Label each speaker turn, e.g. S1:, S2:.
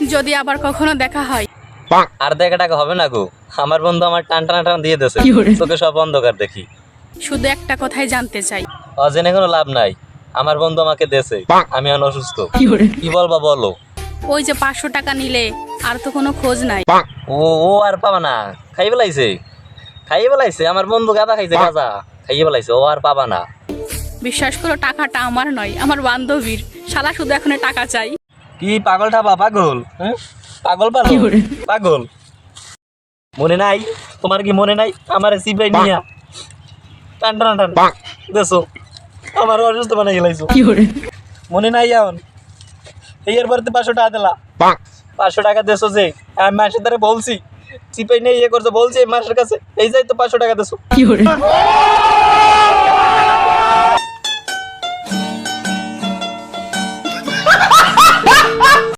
S1: যদি আবার কখনো দেখা হয়।
S2: আর দেখা টাকা হবে না গো, আমার বন্ধু আমার টান টান টান দিয়ে দিয়েছে, তোকে সব অন্ধকার দেখি।
S1: শুধু একটা কথাই জানতে চাই,
S2: অজেনে কোনো লাভ নাই, আমার বন্ধু আমাকে দেছে, আমি এখন অসুস্থ। কি বলবা বলো?
S1: ওই যে 500 টাকা নিলে আর তো কোনো খোঁজ নাই।
S2: ও ও আর পাবা না, খাইয়ে বেলাইছে আমার বন্ধু, গাঁদা খাইছে, গাঁজা খাইয়ে বেলাইছে, ও আর পাবা না।
S1: বিশ্বাস করো, টাকাটা আমার নয়, আমার বান্ধবীর। শালা শুধু এখন টাকা চাই।
S2: কি পাগল ঠাবা পাগল, হ্যাঁ পাগল পাগল মনে নাই তোমার? কি মনে নাই আমার সিপাই নিয়া টান টান টান দেছো, আমার অসুস্থ বানাই গেলাইছো? মনে নাই? এখন এর পরে 500 টাকা দিলা, 500 টাকা দেছো যে আমি মাসের দ্বারা বলছি সিপাই নেই করছো, বলছি মাসের কাছে এই যাই তো 500 টাকা দেছো।